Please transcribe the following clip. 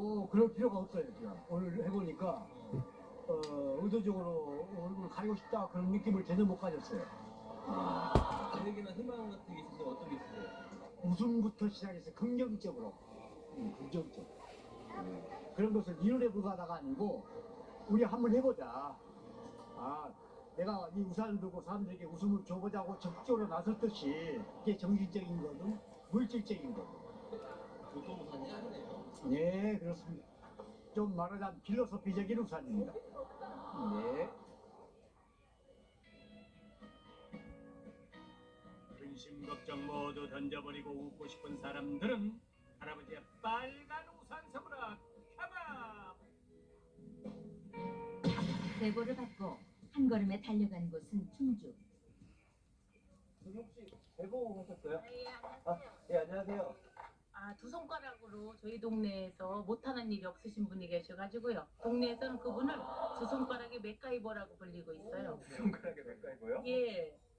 그럴 필요가 없어요. 제가 오늘 해보니까 의도적으로 얼굴을 가리고 싶다 그런 느낌을 전혀 못 가졌어요. 계획이나 희망 같은 게 있으세요? 어떤 게 있으세요? 웃음부터 시작해서 긍정적으로, 긍정적. 그런 것을 이론에 불과하다가 아니고 우리 한번 해보자. 내가 이 우산을 들고 사람들에게 웃음을 줘보자고 적극적으로 나섰듯이 이게 정신적인 거든 물질적인 거든. 교통 우산이 아니네요. 네, 그렇습니다. 좀 말하자면 필로소피적인 우산입니다. 네. 근심 걱정 모두 던져버리고 웃고 싶은 사람들은 할아버지의 빨간 우산 선물을 켜봐. 제보를 받고 한 걸음에 달려간 곳은 충주. 저기 혹시 제보 하셨어요? 네, 안녕하세요. 예, 안녕하세요. 두 손가락으로 저희 동네에서 못하는 일이 없으신 분이 계셔가지고요. 동네에서는 그분을 두 손가락의 맥가이버라고 불리고 있어요. 손가락에 맥가이버요? 예.